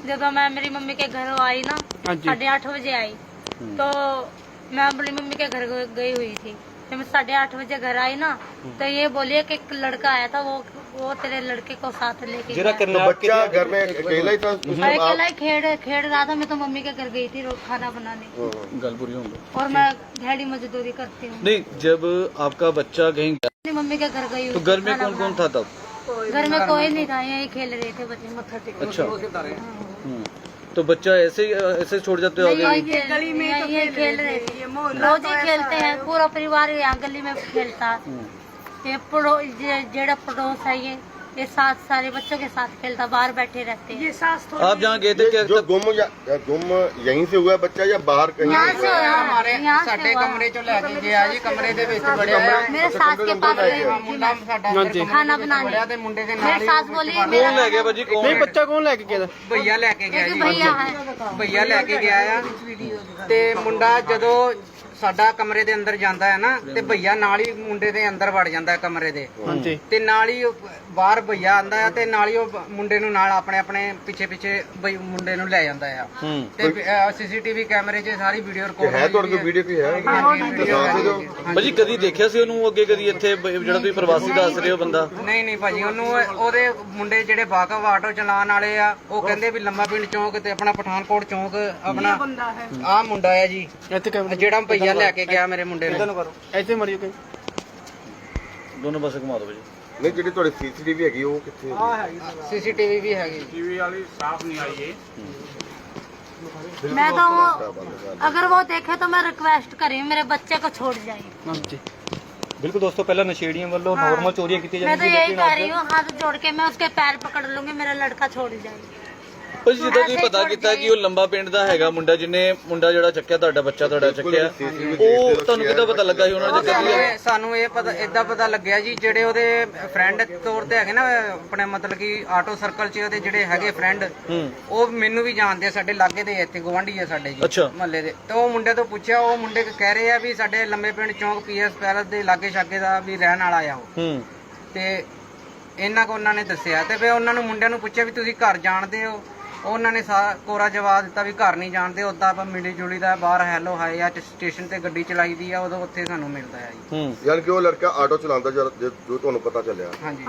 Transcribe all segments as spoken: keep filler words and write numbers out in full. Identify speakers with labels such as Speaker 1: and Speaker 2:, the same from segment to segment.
Speaker 1: जब मैं मेरी मम्मी के घर आई ना साढ़े आठ बजे आई तो मैं अपनी मम्मी के घर गई हुई थी। जब मैं साढ़े आठ बजे घर आई ना तो ये बोलिए कि एक लड़का आया था, वो वो तेरे लड़के को साथ लेके गया।
Speaker 2: तो बच्चा घर में अकेला ही था?
Speaker 1: अकेला ही खेड़ खेड़ रहा था। मैं तो मम्मी के घर गई थी खाना बनाने और मैं दिहाड़ी मजदूरी करती हूँ।
Speaker 2: नहीं, जब आपका बच्चा कहीं गया
Speaker 1: मम्मी के घर गई
Speaker 2: तो घर में कौन कौन था तब?
Speaker 1: घर में कोई नहीं था, यही खेल रहे थे बच्चे मत्था टेक।
Speaker 2: अच्छा, तो बच्चा ऐसे ही ऐसे छोड़ जाते हो आगे?
Speaker 1: गली में तो ये खेल रहे थे, रोज ही खेलते हैं, पूरा परिवार यहाँ गली में खेलता। ये पड़ो जेड़ा पड़ोस है ये ये साथ सारे बच्चों के साथ खेलता, बाहर बैठे रहते हैं। ये सास
Speaker 2: आप जहाँ गए थे क्या
Speaker 3: जो गुम या गुम यहीं से हुआ बच्चा या बाहर कहीं?
Speaker 1: यहाँ से
Speaker 4: हमारे साडे कमरे चो लेके गया जी, कमरे दे विच बड़े
Speaker 1: मेरे सास के पास गई हुई थी
Speaker 4: मुंडा साडा अंदर
Speaker 1: खाना बनाने।
Speaker 4: ते मुंडे दे
Speaker 1: मेरी सास बोली
Speaker 2: कौन
Speaker 1: मेरा
Speaker 2: ले गया भाजी? कौन?
Speaker 5: नहीं, बच्चा कौन लेके गया?
Speaker 4: भैया लेके गया
Speaker 1: एक
Speaker 4: जी,
Speaker 1: भैया है
Speaker 4: भैया लेके गया ਆ ਤੇ ਮੁੰਡਾ ਜਦੋਂ ਸਾਡਾ ਕਮਰੇ ਦੇ ਅੰਦਰ ਜਾਂਦਾ ਹੈ ਨਾ ਤੇ ਭਈਆ ਨਾਲ ਹੀ ਮੁੰਡੇ ਦੇ ਅੰਦਰ ਵੜ ਜਾਂਦਾ ਹੈ ਕਮਰੇ ਦੇ।
Speaker 5: ਹਾਂਜੀ।
Speaker 4: ਤੇ ਨਾਲ ਹੀ ਉਹ ਬਾਹਰ ਭਈਆ ਆਂਦਾ ਹੈ ਤੇ ਨਾਲ ਹੀ ਉਹ ਮੁੰਡੇ ਨੂੰ ਨਾਲ ਆਪਣੇ ਆਪਣੇ ਪਿੱਛੇ ਪਿੱਛੇ ਬਈ ਮੁੰਡੇ ਨੂੰ ਲੈ ਜਾਂਦਾ ਹੈ। ਤੇ ਸੀਸੀਟੀਵੀ ਕੈਮਰੇ 'ਚ ਸਾਰੀ ਵੀਡੀਓ ਰਿਕਾਰਡ
Speaker 3: ਹੈ ਤੁਹਾਡੇ ਕੋਲ ਵੀਡੀਓ ਕੀ ਹੈ?
Speaker 2: ਭਾਜੀ ਕਦੀ ਦੇਖਿਆ ਸੀ ਉਹਨੂੰ ਅੱਗੇ ਕਦੀ ਇੱਥੇ ਬ- ਜਿਹੜਾ ਤੁਸੀਂ ਪ੍ਰਵਾਸੀ ਦੱਸ ਰਹੇ ਹੋ ਬੰਦਾ?
Speaker 4: ਨਹੀਂ ਨਹੀਂ ਭਾਜੀ, ਉਹਨੂੰ ਉਹਦੇ ਮੁੰਡੇ ਜਿਹੜੇ ਵਾਕਫ ਆਟੋ ਚਲਾਉਣ ਵਾਲੇ ਆ ਉਹ ਕਹਿੰਦੇ ਵੀ ਲੰਮਾ ਪਿੰਡ ਚੌਂਕ ਤੇ ਆਪਣਾ ਪਠਾਨਕੋਟ ਚੌਂਕ ਆਪਣਾ ਆਹ ਮੁੰਡਾ ਹੈ ਜੀ,
Speaker 5: ਇੱਥੇ ਕੈਮਰਾ
Speaker 4: ਜਿਹੜਾ ਭਈਆ ਲੈ ਕੇ ਗਿਆ ਮੇਰੇ ਮੁੰਡੇ ਨੂੰ।
Speaker 5: ਇੱਥੇ ਮਰਿਓ ਕਿ
Speaker 2: ਦੋਨੋਂ ਪਾਸੇ ਘੁਮਾ ਦਿਓ ਭਾਜੀ।
Speaker 3: ਨਹੀਂ, ਜਿਹੜੀ ਤੁਹਾਡੀ ਸੀਸੀਟੀਵੀ ਹੈਗੀ ਉਹ ਕਿੱਥੇ ਹੈ?
Speaker 4: ਸੀਸੀਟੀਵੀ ਵੀ ਹੈਗੀ।
Speaker 1: मैं तो वो अगर वो देखे तो मैं रिक्वेस्ट करी मेरे बच्चे को छोड़ जाए।
Speaker 5: ਹਾਂਜੀ।
Speaker 2: ਬਿਲਕੁਲ ਦੋਸਤੋ, ਪਹਿਲਾਂ ਨਸ਼ੇੜੀਆਂ ਵੱਲੋਂ ਨੋਰਮਲ ਚੋਰੀਆਂ ਕੀਤੀਆਂ
Speaker 1: मैं तो यही कह रही हूँ, हाथ जोड़ के मैं उसके पैर पकड़ लूंगी, मेरा लड़का छोड़ जाए।
Speaker 2: ਭਾਜੀ ਜਿੱਦਾਂ ਤੁਸੀਂ ਪਤਾ ਕੀਤਾ ਕਿ ਉਹ ਲੰਬਾ ਪਿੰਡ ਦਾ ਹੈਗਾ ਮੁੰਡਾ, ਜਿਹਨੇ ਮੁੰਡਾ ਜਿਹੜਾ ਚੱਕਿਆ ਤੁਹਾਡਾ ਬੱਚਾ ਤੁਹਾਡਾ ਚੱਕਿਆ, ਉਹ ਤੁਹਾਨੂੰ ਕਿੱਦਾਂ ਪਤਾ ਲੱਗਾ ਸੀ ਉਹਨਾਂ ਨੇ ਚੱਕਿਆ?
Speaker 4: ਸਾਨੂੰ- ਸਾਨੂੰ ਇਹ ਪਤਾ ਏਦਾਂ ਪਤਾ ਲੱਗਿਆ ਜੀ, ਜਿਹੜੇ ਉਹਦੇ ਫਰੈਂਡ ਤੌਰ ਤੇ ਹੈਗੇ ਨਾ ਆਪਣੇ, ਮਤਲਬ ਕਿ ਆਟੋ ਸਰਕਲ 'ਚ ਉਹਦੇ ਜਿਹੜੇ ਹੈਗੇ ਫਰੈਂਡ, ਉਹ ਮੈਨੂੰ ਵੀ ਜਾਣਦੇ ਆ, ਸਾਡੇ ਲਾਗੇ ਦੇ ਇੱਥੇ ਗਵਾਂਢੀ ਆ ਸਾਡੇ ਜੀ ਮਹੱਲੇ ਦੇ। ਤੇ ਉਹ ਮੁੰਡੇ ਤੋਂ ਪੁੱਛਿਆ, ਉਹ ਮੁੰਡੇ ਕਹਿ ਰਹੇ ਆ ਵੀ ਸਾਡੇ ਲੰਬੇ ਪਿੰਡ ਚੌਂਕ ਪੀਐਸ ਪੈਲਸ ਦੇ ਲਾਗੇ ਛਾਗੇ ਦਾ ਵੀ ਰਹਿਣ ਵਾਲਾ ਆ ਉਹ। ਤੇ ਇਹਨਾਂ ਕੋ ਉਹਨਾਂ ਨੇ ਦੱਸਿਆ ਤੇ ਫਿਰ ਉਹਨਾਂ ਨੂੰ ਮੁੰਡਿਆਂ ਨੂੰ ਪੁੱਛਿਆ ਵੀ ਤੁਸੀਂ ਘਰ ਜਾਣਦੇ ਹੋ? ਉਹਨਾਂ ਨੇ ਸਾਰਾ ਕੋਰਾ ਜਵਾਬ ਦਿੱਤਾ ਵੀ ਘਰ ਨਹੀਂ ਜਾਣਦੇ, ਉਦਾਂ ਆਪਾਂ ਮਿਲੀ ਜੁਲੀ ਦਾ ਬਾਹਰ ਹੈਲੋ ਹਾਏ ਆ ਸਟੇਸ਼ਨ ਤੇ ਗੱਡੀ ਚਲਾਈ ਦੀ ਆ, ਉਦੋਂ ਉੱਥੇ ਸਾਨੂੰ ਮਿਲਦਾ ਆ ਜੀ।
Speaker 3: ਯਾਨੀ ਕਿ ਉਹ ਲੜਕਾ ਆਟੋ ਚਲਾਉਂਦਾ ਜੋ ਜੋ ਤੁਹਾਨੂੰ ਪਤਾ ਚੱਲਿਆ।
Speaker 4: ਹਾਂਜੀ।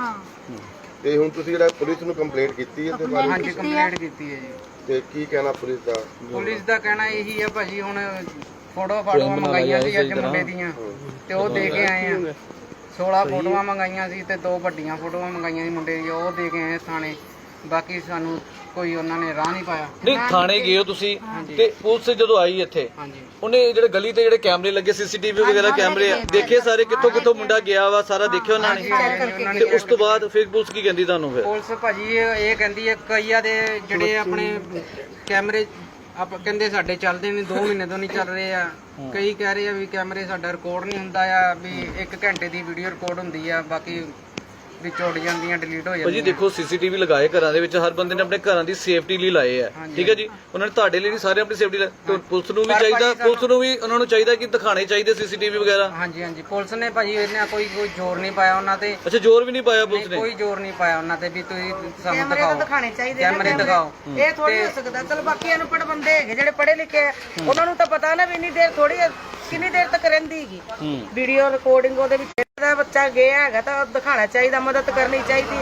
Speaker 3: ਤੇ ਹੁਣ ਤੁਸੀਂ ਜਿਹੜਾ ਪੁਲਿਸ ਨੂੰ ਕੰਪਲੇਂਟ ਕੀਤੀ ਹੈ ਤੇ ਬਾਰੇ
Speaker 4: ਹਾਂਜੀ, ਕੰਪਲੇਂਟ ਕੀਤੀ ਹੈ ਜੀ।
Speaker 3: ਤੇ ਕੀ ਕਹਿਣਾ ਪੁਲਿਸ ਦਾ?
Speaker 4: ਪੁਲਿਸ ਦਾ ਕਹਿਣਾ ਇਹੀ ਆ ਭਾਜੀ, ਹੁਣ ਫੋਟੋ ਫਾਟੋਆਂ ਮੰਗਾਈਆਂ ਸੀ ਅੱਜ ਮੁੰਡੇ ਦੀਆਂ ਤੇ ਉਹ ਦੇ ਕੇ ਆਏ ਆ। ਸੋਲਾਂ ਫੋਟੋਆਂ ਮੰਗਾਈਆਂ ਸੀ ਤੇ ਦੋ ਵੱਡੀਆਂ ਫੋਟੋਆਂ ਮੰਗਾਈਆਂ ਸੀ ਮੁੰਡੇ ਦੀਆਂ, ਉਹ ਦੇ ਕੇ ਆਏ ਥਾਣੇ। ਬਾਕੀ ਸਾਨੂੰ ਕੋਈ ਉਹਨਾਂ ਨੇ ਰਾਹ ਨਹੀਂ ਪਾਇਆ।
Speaker 2: ਨਹੀਂ, ਥਾਣੇ ਗਏ ਹੋ ਤੁਸੀਂ ਤੇ ਪੁਲਿਸ ਜਦੋਂ ਆਈ ਇੱਥੇ,
Speaker 4: ਹਾਂਜੀ,
Speaker 2: ਉਹਨੇ ਜਿਹੜੇ ਗਲੀ ਤੇ ਜਿਹੜੇ ਕੈਮਰੇ ਲੱਗੇ ਸੀਸੀਟੀਵੀ ਵਗੈਰਾ ਕੈਮਰੇ ਆ, ਦੇਖੇ ਸਾਰੇ ਕਿੱਥੋਂ ਕਿੱਥੋਂ ਮੁੰਡਾ ਗਿਆ ਵਾ, ਸਾਰਾ ਦੇਖਿਆ ਉਹਨਾਂ ਨੇ? ਤੇ ਉਸ ਤੋਂ ਬਾਅਦ ਫਿਰ ਪੁਲਿਸ ਕੀ ਕਹਿੰਦੀ ਤੁਹਾਨੂੰ? ਫਿਰ
Speaker 4: ਪੁਲਿਸ ਭਾਜੀ ਇਹ ਕਹਿੰਦੀ ਹੈ ਕਈਆਂ ਦੇ ਜਿਹੜੇ ਆਪਣੇ ਕੈਮਰੇ ਆਪ ਕਹਿੰਦੇ ਸਾਡੇ ਚੱਲਦੇ ਨੇ, ਦੋ ਮਹੀਨੇ ਤੋਂ ਨਹੀਂ ਚੱਲ ਰਹੇ ਆ। ਕਈ ਕਹਿ ਰਹੇ ਆ ਵੀ ਕੈਮਰੇ ਸਾਡਾ ਰਿਕਾਰਡ ਨਹੀਂ ਹੁੰਦਾ ਆ, ਵੀ ਇੱਕ ਘੰਟੇ ਦੀ ਵੀਡੀਓ ਰਿਕਾਰਡ ਹੁੰਦੀ ਆ, ਬਾਕੀ ਵੀ ਚੋੜ ਜਾਂਦੀਆਂ, ਡਿਲੀਟ ਹੋ
Speaker 2: ਭਾਜੀ
Speaker 4: ਜਾਂਦੀਆਂ।
Speaker 2: ਦੇਖੋ, ਸੀਸੀਟੀਵੀ ਲਗਾਏ ਘਰਾਂ ਦੇ ਵਿੱਚ, ਹਰ ਬੰਦੇ ਨੇ ਆਪਣੇ ਘਰਾਂ ਦੀ ਸੇਫਟੀ ਲਈ ਲਾਏ ਆ, ਠੀਕ ਹੈ ਜੀ। ਉਹਨਾਂ ਨੇ ਤੁਹਾਡੇ ਲਈ ਨਹੀਂ, ਸਾਰੇ ਆਪਣੀ ਸੇਫਟੀ ਲਈ। ਤੇ ਪੁਲਿਸ ਨੂੰ ਵੀ ਚਾਹੀਦਾ, ਪੁਲਿਸ ਨੂੰ ਵੀ ਉਹਨਾਂ ਨੂੰ ਚਾਹੀਦਾ ਕਿ ਦਿਖਾਣੇ ਚਾਹੀਦੇ ਸੀਸੀਟੀਵੀ ਵਗੈਰਾ।
Speaker 4: ਹਾਂਜੀ ਹਾਂਜੀ, ਪੁਲਿਸ ਨੇ ਭਾਜੀ ਇਹਨਾਂ ਕੋਈ ਕੋਈ ਜ਼ੋਰ ਨਹੀਂ ਪਾਇਆ ਉਹਨਾਂ ਤੇ।
Speaker 2: ਅੱਛਾ, ਜ਼ੋਰ ਵੀ ਨਹੀਂ ਪਾਇਆ ਪੁਲਿਸ ਨੇ?
Speaker 4: ਕੋਈ ਜ਼ੋਰ ਨਹੀਂ ਪਾਇਆ ਉਹਨਾਂ ਤੇ ਵੀ ਤੁਸੀਂ ਸਾਨੂੰ
Speaker 6: ਕੈਮਰੇ
Speaker 4: ਦਿਖਾਓ,
Speaker 6: ਤਾਂ ਦਿਖਾਣੇ ਚਾਹੀਦੇ,
Speaker 4: ਕੈਮਰੇ ਦਿਖਾਓ।
Speaker 6: ਇਹ ਥੋੜੀ ਹੋ ਸਕਦਾ। ਚਲ ਬਾਕੀ ਅਨਪੜ੍ਹ ਬੰਦੇ ਹੈਗੇ ਜਿਹੜੇ ਪੜ੍ਹੇ ਲਿਖੇ ਆ, ਉਹਨਾਂ ਨੂੰ ਤਾਂ ਪਤਾ ਨਾ ਵੀ ਇੰਨੀ ਦੇਰ ਥੋੜੀ ਕਿੰਨੀ ਦੇਰ ਤੱਕ ਰਹਿੰਦੀ ਹੈਗੀ ਵੀਡੀਓ ਰਿਕਾਰਡਿੰਗ। ਉਹਦੇ ਵਿੱਚ ਜਿਹੜਾ ਬੱਚਾ ਗਿਆ ਹੈਗਾ ਤਾਂ ਦਿਖਾਣਾ ਚਾਹੀਦਾ, ਮਦਦ ਕਰਨੀ ਚਾਹੀਦੀ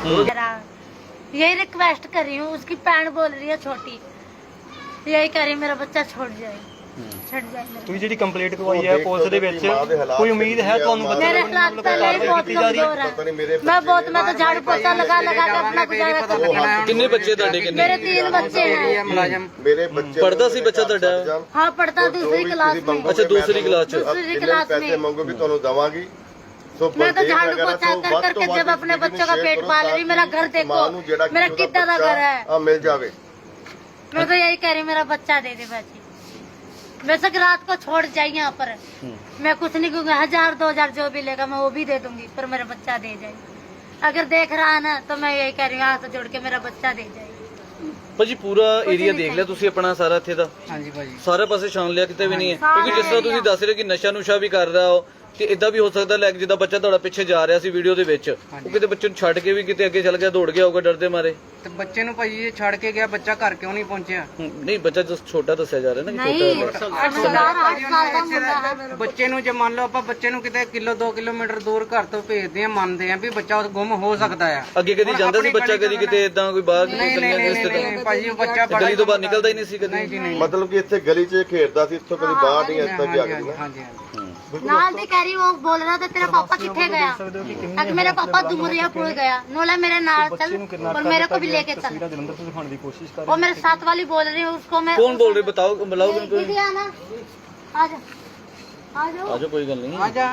Speaker 6: ਹੈਗੀ।
Speaker 1: यही रिक्वेस्ट कर रही हूँ, उसकी पैन बोल रही है छोटी, यही कह रही मेरा बच्चा छोड़ जाए, छड़ जाए मेरा।
Speaker 5: ਤੁਸੀਂ ਜਿਹੜੀ ਕੰਪਲੀਟ ਕਰਵਾਈ ਹੈ ਪੁਲਿਸ ਦੇ ਵਿੱਚ, ਕੋਈ ਉਮੀਦ ਹੈ ਤੁਹਾਨੂੰ ਬੱਚੇ
Speaker 1: मेरे हालात पहले ही बहुत कमजोर है, मैं बहुत मैं तो झाड़ू पोछा लगा लगा के अपना गुजारा करती हूँ।
Speaker 2: ਕਿੰਨੇ ਬੱਚੇ ਤੁਹਾਡੇ? ਕਿੰਨੇ?
Speaker 1: मेरे तीन बच्चे हैं।
Speaker 4: ਮੁਲਾਜ਼ਮ
Speaker 3: ਮੇਰੇ ਬੱਚੇ
Speaker 2: ਪੜਦਾ ਸੀ ਬੱਚਾ ਤੁਹਾਡਾ?
Speaker 1: हाँ, पढ़ता दूसरी क्लास में।
Speaker 2: ਅੱਛਾ, ਦੂਸਰੀ ਕਲਾਸ ਚ।
Speaker 1: दूसरी क्लास
Speaker 3: ਪੈਸੇ
Speaker 1: में
Speaker 3: ਮੰਗੋਗੇ ਤੁਹਾਨੂੰ ਦਵਾਂਗੀ। ਸੋ
Speaker 1: मैं तो झाड़ू पोछा कर करके जब अपने बच्चों का पेट पाल रही, मेरा घर देखो मेरा कितना का घर है।
Speaker 3: ਆ ਮਿਲ ਜਾਵੇ।
Speaker 1: मैं तो यही कह रही मेरा बच्चा दे दे बच्ची। वैसे कि रात को छोड़ जाए यहाँ पर, मैं कुछ नहीं कहूँगी, हजार दो हजार जो भी लेगा मैं वो भी दे दूंगी, पर मेरा बच्चा दे जाए। अगर देख रहा है ना तो मैं यही कह रही हूँ, हाथ जोड़ के मेरा बच्चा दे जाए।
Speaker 2: ਭਾਜੀ ਪੂਰਾ ਏਰੀਆ ਦੇਖ ਲਿਆ ਤੁਸੀਂ ਆਪਣਾ ਸਾਰਾ ਇੱਥੇ ਦਾ?
Speaker 4: ਹਾਂਜੀ ਭਾਜੀ,
Speaker 2: ਸਾਰੇ ਪਾਸੇ ਛਾਣ ਲਿਆ, ਕਿਤੇ ਵੀ ਨਹੀਂ ਹੈ? ਕਿਉਂਕਿ ਜਿਸ ਤਰ੍ਹਾਂ ਤੁਸੀਂ ਦੱਸ ਰਹੇ ਹੋ ਕਿ ਨਸ਼ਾ ਨੁਸ਼ਾ ਵੀ ਕਰ ਰਿਹਾ ਹੋ, ਤੇ ਇਦਾਂ ਵੀ ਹੋ ਸਕਦਾ ਲੈ ਕੇ ਜਿੱਦਾਂ ਬੱਚਾ ਤੁਹਾਡਾ ਪਿੱਛੇ ਜਾ ਰਿਹਾ ਸੀ ਵੀਡੀਓ ਦੇ ਵਿੱਚ, ਉਹ ਕਿਤੇ ਬੱਚੇ ਨੂੰ ਛੱਡ ਕੇ ਵੀ ਕਿਤੇ ਅੱਗੇ ਚੱਲ ਗਿਆ, ਦੌੜ ਗਿਆ ਹੋਊਗਾ ਡਰ ਦੇ ਮਾਰੇ।
Speaker 4: ਤੇ ਬੱਚੇ ਨੂੰ ਭਾਜੀ ਇਹ ਛੱਡ ਕੇ ਗਿਆ, ਬੱਚਾ ਘਰ ਕਿਉਂ ਨਹੀਂ ਪਹੁੰਚਿਆ?
Speaker 2: ਹੂੰ, ਨਹੀਂ ਬੱਚਾ ਜਸ ਛੋਟਾ ਦੱਸਿਆ ਜਾ ਰਿਹਾ ਨਾ ਕਿ
Speaker 1: नहीं
Speaker 2: ਛੋਟਾ
Speaker 1: समझदार आठ साल का मुंडा है।
Speaker 4: ਬੱਚੇ ਨੂੰ ਜੇ ਮੰਨ ਲਓ ਆਪਾਂ ਬੱਚੇ ਨੂੰ ਕਿਤੇ ਕਿਲੋ ਦੋ ਕਿਲੋਮੀਟਰ ਦੂਰ ਘਰ ਤੋਂ ਭੇਜਦੇ ਆ, ਮੰਨਦੇ ਆ ਵੀ ਬੱਚਾ ਗੁੰਮ ਹੋ ਸਕਦਾ ਆ।
Speaker 2: ਅੱਗੇ ਕਦੀ ਜਾਂਦਾ ਸੀ ਬੱਚਾ ਕਦੀ ਕਿਤੇ ਇਦਾਂ ਕੋਈ ਬਾਹਰ
Speaker 4: ਨਹੀਂ ਨਹੀਂ
Speaker 2: ਗਲੀਆਂ
Speaker 4: ਨਹੀਂ
Speaker 2: ਦੇ
Speaker 4: ਨਹੀਂ, ਨਹੀਂ ਭਾਜੀ ਉਹ ਬੱਚਾ ਬੜਾ
Speaker 2: ਗਲੀ ਤੋਂ ਬਾਹਰ ਨਿਕਲਦਾ ਹੀ ਨਹੀਂ ਸੀ ਕਦੀ।
Speaker 4: ਨਹੀਂ ਜੀ ਨਹੀਂ।
Speaker 3: ਮਤਲਬ ਕਿ ਇੱਥੇ ਗਲੀ 'ਚ ਖੇਡਦਾ ਸੀ, ਇੱਥੋਂ ਕਦੀ ਬਾਹਰ ਨਹੀਂ ਇਸ ਤੱਕ ਗਿਆ
Speaker 4: ਹਾਂਜੀ
Speaker 3: ਕਦੀ ਨਾ।
Speaker 4: ਹਾਂਜੀ ਹਾਂਜੀ।
Speaker 1: नाल दी कह रही वो बोल रहा था तेरा पापा किथे गया, अब मेरा पापा डुमरिया पुल गया। नोला मेरे नाल चल और मेरे को भी लेके चल।
Speaker 5: ਜਲੰਧਰ ਤੋਂ ਦਿਖਾਉਣ ਦੀ ਕੋਸ਼ਿਸ਼ ਕਰ
Speaker 1: वो मेरे साथ वाली बोल रही है उसको मैं
Speaker 2: कौन बोल रहे बताओ बुलाओ उनको।
Speaker 1: दीदी आना आ जा आ जाओ।
Speaker 2: आजो कोई गल नहीं।
Speaker 4: आजा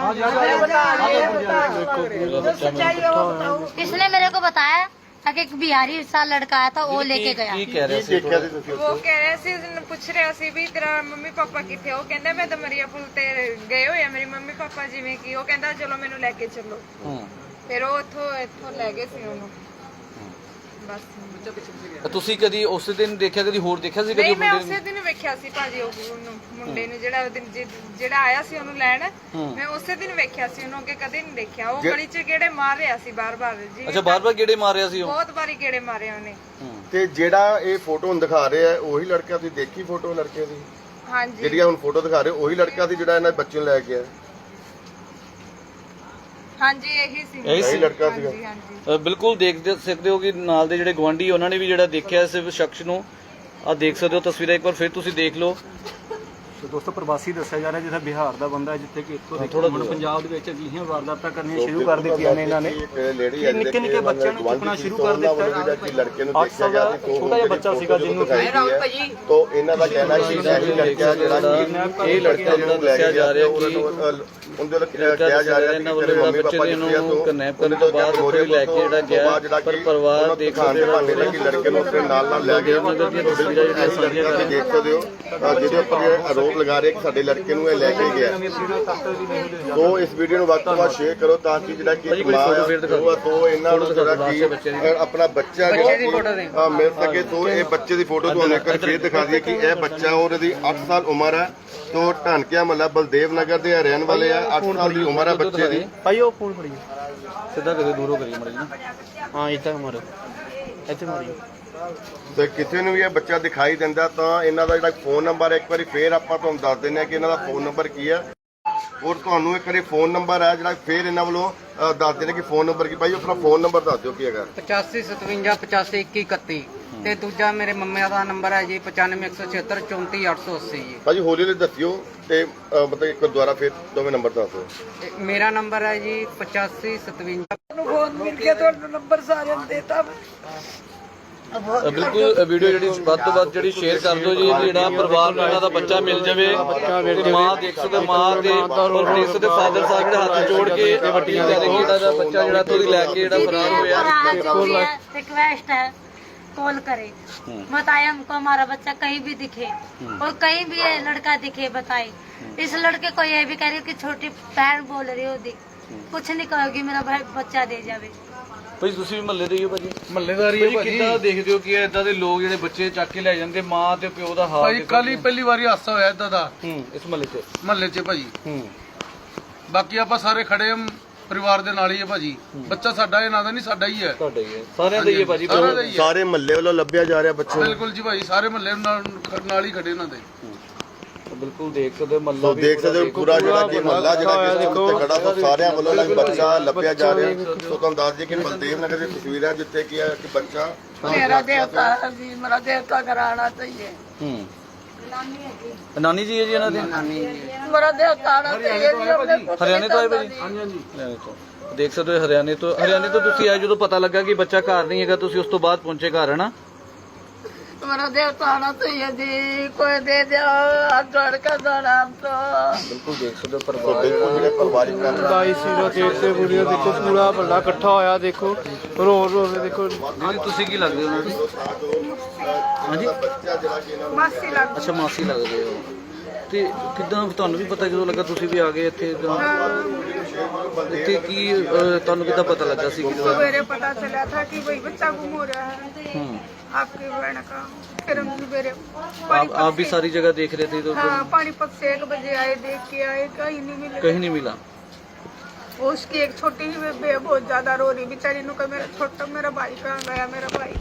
Speaker 1: किसने मेरे को बताया कि एक बिहारी सा लड़का आया था वो लेके गया।
Speaker 2: ਕੀ ਕਹਿ ਰਹੇ
Speaker 3: ਕੀ
Speaker 2: ਸੀ
Speaker 3: ਦੇਖਿਆ ਸੀ ਤੁਸੀਂ
Speaker 7: ਉਹ ਕਹਿ ਰਿਹਾ ਸੀ, ਉਹਨੂੰ ਪੁੱਛ ਰਿਹਾ ਸੀ ਵੀ ਤੇਰਾ ਮੰਮੀ ਪਾਪਾ ਕਿੱਥੇ ਆ? ਉਹ ਕਹਿੰਦਾ ਮੈਂ ਦਮਰੀਆ ਪੁਲ ਤੇ ਗਏ ਹੋਏ ਆ ਮੇਰੇ ਮੰਮੀ ਪਾਪਾ, ਜਿਵੇਂ ਕਿ ਉਹ ਕਹਿੰਦਾ ਚਲੋ ਮੈਨੂੰ ਲੈ ਕੇ ਚੱਲੋ।
Speaker 2: ਹੂੰ
Speaker 7: ਫਿਰ ਉਹ ਇੱਥੋਂ ਇੱਥੋਂ ਲੈ ਗਏ ਸੀ ਉਹਨੂੰ ਬਸ।
Speaker 2: ਤੁਸੀਂ ਕਦੀ ਉਸ ਦਿਨ ਦੇਖਿਆ ਕਦੀ ਹੋਰ ਦੇਖਿਆ ਸੀ ਕਦੀ
Speaker 7: ਨਹੀਂ ਮੈਂ
Speaker 2: ਮੁੰਡੇ
Speaker 7: ਉਸੇ ਦਿਨ ਵੇਖਿਆ ਸੀ ਭਾਜੀ ਉਹ ਉਹਨੂੰ ਮੁੰਡੇ ਨੂੰ, ਜਿਹੜਾ ਉਹ ਦਿਨ ਜਿ- ਜਿਹੜਾ ਆਇਆ ਸੀ ਉਹਨੂੰ ਲੈਣ। ਮੈਂ ਉਸੇ ਦਿਨ ਵੇਖਿਆ ਸੀ ਉਹਨੂੰ, ਅੱਗੇ ਕਦੇ ਨਹੀਂ ਦੇਖਿਆ। ਉਹ ਗਲੀ 'ਚ ਗੇੜੇ ਮਾਰ ਰਿਹਾ ਸੀ ਬਾਰ-ਬਾਰ ਜੀ,
Speaker 2: ਅੱਛਾ ਬਾਰ ਬਾਰ ਗੇੜੇ ਮਾਰ ਰਿਹਾ ਸੀ ਉਹ।
Speaker 7: ਬਹੁਤ ਵਾਰੀ ਗੇੜੇ ਮਾਰੇ ਉਹਨੇ।
Speaker 3: ਤੇ ਜਿਹੜਾ ਇਹ ਫੋਟੋ ਹੁਣ ਦਿਖਾ ਰਹੇ ਆ ਉਹੀ ਲੜਕਾ, ਤੁਸੀਂ ਦੇਖੀ ਫੋਟੋ ਲੜਕੇ ਦੀ
Speaker 7: ਹਾਂਜੀ
Speaker 3: ਜਿਹੜੀ ਆ ਹੁਣ ਫੋਟੋ ਦਿਖਾ ਰਹੇ ਉਹੀ ਲੜਕਾ ਸੀ ਜਿਹੜਾ ਇਹਨਾਂ ਬੱਚੇ ਨੂੰ ਲੈ ਕੇ ਆਇਆ?
Speaker 7: ਹਾਂਜੀ ਇਹੀ ਸੀ।
Speaker 2: ਇਹੀ ਸੀ।
Speaker 3: ਇਹੀ ਲੜਕਾ ਸੀਗਾ।
Speaker 7: ਹਾਂਜੀ ਹਾਂਜੀ
Speaker 2: ਅ, ਬਿਲਕੁਲ ਦੇਖ ਦੇ- ਸਕਦੇ ਹੋ ਕਿ ਨਾਲ ਦੇ ਜਿਹੜੇ ਗਵਾਂਢੀ ਉਹਨਾਂ ਨੇ ਵੀ ਜਿਹੜਾ ਦੇਖਿਆ ਇਸ ਸ਼ਖਸ ਨੂੰ। ਆ ਦੇਖ ਸਕਦੇ ਹੋ ਤਸਵੀਰਾਂ, ਇੱਕ ਵਾਰ ਫਿਰ ਤੁਸੀਂ ਦੇਖ ਲਓ।
Speaker 5: ਤੇ ਦੋਸਤੋ ਪ੍ਰਵਾਸੀ ਦੱਸਿਆ ਜਾ ਰਿਹਾ ਜਿਹੜਾ ਬਿਹਾਰ ਦਾ ਬੰਦਾ ਹੈ, ਜਿੱਥੇ ਕਿ ਇੱਥੋਂ ਦੇ ਹੁਣ ਪੰਜਾਬ ਦੇ ਵਿੱਚ ਅਜਿਹੀਆਂ ਵਾਰਦਾਤਾਂ ਕਰਨੀਆਂ ਸ਼ੁਰੂ ਕਰ ਦਿੱਤੀਆਂ ਨੇ ਇਹਨਾਂ ਨੇ
Speaker 3: ਇੱਕ ਲੇਡੀ
Speaker 5: ਕਿ ਨਿੱਕੇ ਨਿੱਕੇ ਬੱਚਿਆਂ ਨੂੰ ਚੁੱਕਣਾ ਸ਼ੁਰੂ ਕਰ ਦਿੱਤਾ
Speaker 3: ਜਿਹੜਾ ਕਿ ਲੜਕੇ ਨੂੰ
Speaker 5: ਅੱਠ
Speaker 3: ਦੇਖਿਆ
Speaker 5: ਸਾਲ
Speaker 3: ਗਿਆ
Speaker 5: ਦਾ
Speaker 3: ਸੀ
Speaker 5: ਛੋਟਾ ਜਿਹਾ ਬੱਚਾ ਸੀਗਾ ਜਿਹਨੂੰ
Speaker 3: ਤੋਂ ਇਹਨਾਂ ਦਾ ਕਹਿਣਾ ਸੀ ਕਿ ਇਹ ਲੜਕਾ ਜਿਹੜਾ ਕਿ
Speaker 2: ਇਹ ਲੜਕਾ ਜਿਹੜਾ ਦੱਸਿਆ ਜਾ ਰਿਹਾ ਕਿ
Speaker 3: ਉਹਦੇ ਵੱਲੋਂ
Speaker 2: ਲੜਕਾ
Speaker 3: ਕਿਹਾ ਜਾ ਰਿਹਾ
Speaker 2: ਇਹਨਾਂ ਵੱਲੋਂ ਜਿਹੜਾ ਬੱਚੇ ਦੇ ਨੂੰ ਕਨੈਪ ਕਰਨ ਤੋਂ ਬਾਅਦ ਉੱਥੇ ਲੈ ਕੇ ਜਿਹੜਾ ਗਿਆ, ਪਰ ਪਰਿਵਾਰ ਦੇਖ ਸਕਦੇ ਹੋ
Speaker 3: ਕਿ ਲੜਕੇ ਨੂੰ ਆਪਣੇ ਨਾਲ ਨਾਲ ਲੈ ਗਿਆ।
Speaker 2: ਨਗਰ ਦੀਆਂ ਤਸਵੀਰਾਂ ਜਿਹੜੀਆਂ ਸਾਂਝੀਆਂ ਕਰ ਰਹੇ
Speaker 3: ਦੇਖ ਸਕਦੇ ਹੋ ਜਿਹਦੇ ਉੱਪਰ ਇਹ ਆਰੋਪ ਲਗਾ ਰਹੇ ਕਿ ਸਾਡੇ ਲੜਕੇ ਨੂੰ ਇਹ ਲੈ ਕੇ ਗਿਆ। ਤੋਂ ਇਸ ਵੀਡੀਓ ਨੂੰ ਵੱਧ ਤੋਂ ਵੱਧ ਸ਼ੇਅਰ ਕਰੋ ਤਾਂ ਕਿ ਜਿਹੜਾ ਕਿ
Speaker 2: ਭਾਜੀ ਕੋਈ ਫੋਟੋ ਫੇਰ ਦਿਖਾ ਦਿਓ।
Speaker 3: ਤੋਂ ਇਹਨਾਂ ਨੂੰ ਜਿਹੜਾ ਕਿ ਆਪਣਾ ਬੱਚਾ ਜਿਹੜਾ ਮਿਲ ਸਕੇ। ਤੋਂ ਇਹ ਬੱਚੇ ਦੀ ਫੋਟੋ ਤੁਹਾਨੂੰ ਇੱਕ ਵਾਰ ਫੇਰ ਦਿਖਾ ਦਈਏ ਕਿ ਇਹ ਬੱਚਾ ਔਰ ਇਹਦੀ ਅੱਠ ਸਾਲ ਉਮਰ ਹੈ। ਤੋਂ ਢਾਨਕਿਆ ਮਹੱਲਾ ਬਲਦੇਵ ਨਗਰ ਦੇ ਰਹਿਣ ਵਾਲੇ ਆ। ਅੱਠ ਸਾਲ ਦੀ ਉਮਰ ਹੈ ਬੱਚੇ ਦੀ।
Speaker 5: ਭਾਈ ਉਹ ਫੋਨ ਫੜੀਏ
Speaker 2: ਸਿੱਧਾ ਕਦੇ ਦੂਰੋਂ ਕਰੀ ਮੜੀ ਨਾ।
Speaker 5: ਹਾਂ ਇੱਥੇ ਮਾਰੋ ਇੱਥੇ ਮਾਰੀਓ।
Speaker 3: ਤੇ ਕਿਸੇ ਨੂੰ ਵੀ ਇਹ ਬੱਚਾ ਦਿਖਾਈ ਦਿੰਦਾ ਤਾਂ ਇਹਨਾਂ ਦਾ ਜਿਹੜਾ ਫੋਨ ਨੰਬਰ ਹੈ ਇੱਕ ਵਾਰੀ ਫੇਰ ਆਪਾਂ ਤੁਹਾਨੂੰ ਦੱਸ ਦਿੰਦੇ ਹਾਂ ਕਿ ਇਹਨਾਂ ਦਾ ਫੋਨ ਨੰਬਰ ਕੀ ਹੈ। ਔਰ ਤੁਹਾਨੂੰ ਇੱਕ ਵਾਰੀ ਫੋਨ ਨੰਬਰ ਹੈ ਜਿਹੜਾ ਫੇਰ ਇਹਨਾਂ ਵੱਲੋਂ ਅ, ਦੱਸ ਦਿੰਦੇ ਕਿ ਫੋਨ ਨੰਬਰ ਕੀ। ਭਾਈ ਆਪਣਾ ਫੋਨ ਨੰਬਰ ਦੱਸ ਦਿਓ ਕੀ ਹੈਗਾ।
Speaker 4: ਪਚਾਸੀ ਸਤਵੰਜਾ ਪਚਾਸੀ ਇੱਕੀ ਇਕੱਤੀ ਤੇ ਦੂਜਾ ਮੇਰੇ ਮੰਮੇ ਦਾ ਨੰਬਰ ਹੈ ਜੀ ਪਚਾਨਵੇਂ ਇੱਕ ਸੌ ਛਿਹੱਤਰ ਚੌਂਤੀ ਅੱਠ ਸੌ ਅੱਸੀ ਜੀ।
Speaker 3: ਭਾਜੀ ਹੌਲੀ ਹੌਲੀ ਦੱਸਿਓ ਤੇ ਅ, ਮਤਲਬ ਇੱਕ ਦੁਆਰਾ ਫੇਰ ਦੋਵੇਂ ਨੰਬਰ ਦੱਸ ਦਿਓ।
Speaker 4: ਤੇ ਮੇਰਾ ਨੰਬਰ ਹੈ ਜੀ ਪਚਾਸੀ ਸਤਵੰਜਾ।
Speaker 6: ਫੋਨ ਮਿਲ ਕੇ ਤੁਹਾਨੂੰ ਨੰਬਰ ਸਾਰਿਆਂ ਨੂੰ ਦੇਤਾ।
Speaker 2: ਅ, ਬਿਲਕੁਲ ਵੀਡੀਓ ਜਿਹੜੀ ਵੱਧ ਤੋਂ ਵੱਧ ਜਿਹੜੀ ਸ਼ੇਅਰ ਕਰ ਦਿਓ ਜੀ, ਜਿਹੜਾ ਪਰਿਵਾਰ ਨੂੰ ਇਹਨਾਂ ਦਾ ਬੱਚਾ ਮਿਲ ਜਾਵੇ। ਤੇ ਮਾਂ ਦੇਖ ਸਕਦੇ ਮਾਂ ਦੇ ਔਰ ਦੇਖ ਸਕਦੇ ਫਾਦਰ ਸਾਹਿਬ ਜਿਹੜੇ ਹੱਥ ਜੋੜ ਕੇ ਵੱਟੀਆਂ ਦੇ ਕੇ ਜਿਹੜਾ ਬੱਚਾ ਜਿਹੜਾ ਤੋਂ ਲੈ ਕੇ ਜਿਹੜਾ ਫਰਾਰ ਹੋਇਆ।
Speaker 1: रिक्वेस्ट है कॉल करे, बताए हमको हमारा बच्चा कहीं भी दिखे और कहीं भी ये लड़का दिखे बताए। इस लड़के को ये भी कह रही हो कि छोटी बहन बोल रही हो दी, कुछ नहीं कहोगी मेरा भाई बच्चा दे जावे।
Speaker 2: ਭਾਈ ਤੁਸੀਂ ਵੀ ਮਹੱਲੇ ਦੇ ਹੀ ਹੋ ਭਾਜੀ? ਮਹੱਲੇਦਾਰੀ ਹੈ ਭਾਜੀ। ਕਿੱਦਾਂ ਦੇਖਦੇ ਹੋ ਕਿ ਇਦਾਂ ਦੇ ਲੋਕ ਜਿਹੜੇ ਬੱਚੇ ਚੱਕ ਕੇ ਲੈ ਜਾਂਦੇ, ਮਾਂ ਤੇ ਪਿਓ ਦਾ ਹਾਲ?
Speaker 8: ਭਾਜੀ ਕੱਲ ਹੀ ਪਹਿਲੀ ਵਾਰੀ ਹਾਦਸਾ ਹੋਇਆ ਇਦਾਂ ਦਾ
Speaker 2: ਹੂੰ ਇਸ ਮਹੱਲੇ 'ਚ।
Speaker 8: ਮਹੱਲੇ 'ਚ ਭਾਜੀ।
Speaker 2: ਹੂੰ
Speaker 8: ਬਾਕੀ ਆਪਾਂ ਸਾਰੇ ਖੜੇ ਹਾਂ ਪਰਿਵਾਰ ਦੇ ਨਾਲ ਹੀ ਹੈ ਭਾਜੀ। ਬੱਚਾ ਸਾਡਾ ਇਹਨਾਂ ਦਾ ਨਹੀਂ, ਸਾਡਾ ਹੀ ਹੈ।
Speaker 2: ਤੁਹਾਡਾ ਹੀ ਹੈ, ਸਾਰਿਆਂ ਦਾ ਹੀ ਹੈ ਭਾਜੀ।
Speaker 8: ਸਾਰਿਆਂ ਦਾ ਹੀ ਹੈ।
Speaker 3: ਸਾਰੇ ਮਹੱਲੇ ਵੱਲੋਂ ਲੱਭਿਆ ਜਾ ਰਿਹਾ ਬੱਚਾ।
Speaker 8: ਬਿਲਕੁਲ ਜੀ ਭਾਜੀ, ਸਾਰੇ ਮਹੱਲੇ ਨਾਲ ਨਾਲ ਹੀ ਖੜੇ ਇਹਨਾਂ ਦੇ।
Speaker 2: ਬਿਲਕੁਲ ਦੇਖ ਸਕਦੇ ਮਹੱਲਾ
Speaker 3: ਸੋ ਦੇਖ ਸਕਦੇ ਹੋ ਪੂਰਾ ਜਿਹੜਾ ਕਿ ਮਹੱਲਾ ਜਿਹੜਾ ਕਿ ਉੱਤੇ ਖੜਾ ਸੋ ਸਾਰਿਆਂ ਵੱਲੋਂ ਜਿਹੜਾ ਬੱਚਾ ਲੱਭਿਆ ਜਾ ਰਿਹਾ। ਸੋ ਤੁਹਾਨੂੰ ਦੱਸ ਦਈਏ ਕਿ ਬਲਦੇਵ ਨਗਰ ਦੀ ਤਸਵੀਰ ਹੈ ਜਿੱਥੇ ਕੀ ਹੈ ਕਿ ਬੱਚਾ
Speaker 6: ਮੇਰਾ ਦੇਵਤਾ ਹੈ ਜੀ, ਮੇਰਾ ਦੇਵਤਾ ਕਰਾਣਾ ਚਾਹੀਏ।
Speaker 2: ਹੂੰ ਨਾਨੀ ਜੀ ਹੈ ਜੀ ਇਹਨਾਂ ਦੇ?
Speaker 6: ਮੇਰਾ ਦੇਵਤਾ ਆਣਾ ਚਾਹੀਏ ਜੀ। ਆਪਣੇ
Speaker 2: ਹਰਿਆਣੇ ਤੋਂ ਆਏ ਭਾਜੀ? ਹਾਂਜੀ ਹਾਂਜੀ ਹਰਿਆਣੇ ਤੋਂ। ਦੇਖ ਸਕਦੇ ਹੋ ਹਰਿਆਣੇ ਤੋਂ। ਹਰਿਆਣੇ ਤੋਂ ਤੁਸੀਂ ਆਏ ਜਦੋਂ ਪਤਾ ਲੱਗਾ ਕਿ ਬੱਚਾ ਘਰ ਨਹੀਂ ਹੈਗਾ, ਤੁਸੀਂ ਉਸ ਤੋਂ ਬਾਅਦ ਪਹੁੰਚੇ ਘਰ ਹੈ ਨਾ?
Speaker 6: मेरा देवता आना चाहिए जी, कोई दे दो हाथ जोड़ कर जाना हम तो।
Speaker 2: ਬਿਲਕੁਲ ਦੇਖ ਸਕਦੇ ਹੋ
Speaker 3: ਸੋ
Speaker 2: ਪਰਿਵਾਰ
Speaker 3: ਬਿਲਕੁਲ ਜਿਹੜੇ ਪਰਿਵਾਰਿਕ ਮੈਂਬਰ
Speaker 5: ਬਾਈ ਸੀਰੋ ਤੇਰ ਤੇ ਵੀਡੀਓ ਦੇਖੋ ਪੂਰਾ ਵੱਡਾ ਇਕੱਠਾ ਹੋਇਆ ਦੇਖੋ ਰੋ ਰੋ ਕੇ ਦੇਖੋ।
Speaker 2: ਜੀ ਤੁਸੀਂ ਕੀ ਲੱਗਦੇ ਹੋ ਉਹਨਾਂ ਦੀ? ਹਾਂਜੀ
Speaker 3: ਬੱਚਾ ਜਿਹੜਾ ਕਿ ਇਹਨਾਂ ਨੂੰ
Speaker 7: ਮਾਸੀ ਲੱਗ
Speaker 2: ਅੱਛਾ ਮਾਸੀ ਲੱਗਦੇ ਹੋ। ਤੇ ਕਿੱਦਾਂ ਤੁਹਾਨੂੰ ਵੀ ਪਤਾ ਜਦੋਂ ਲੱਗਾ ਤੁਸੀਂ ਵੀ ਆ ਗਏ ਇੱਥੇ ਤਾਂ? ਇੱਥੇ ਕੀ ਅਹ, ਤੁਹਾਨੂੰ ਕਿੱਦਾਂ ਪਤਾ ਲੱਗਾ ਸੀ ਕਿ ਜਦੋਂ?
Speaker 7: सवेरे पता चला था कि भाई बच्चा गुम हो रहा है
Speaker 2: हम्म,
Speaker 7: आपकी बहन का। फिर हम सवेरे
Speaker 2: आप आप भी सारी जगह देख रहे थे तो
Speaker 7: हाँ पानीपत से एक बजे आए, देख के आए, कहीं नहीं मिले।
Speaker 2: कहीं नहीं मिला?
Speaker 7: उसकी एक छोटी ही बेबे बहुत ज्यादा रो रही बेचारी नु का मेरा छोटा मेरा भाई कहाँ गया, मेरा भाई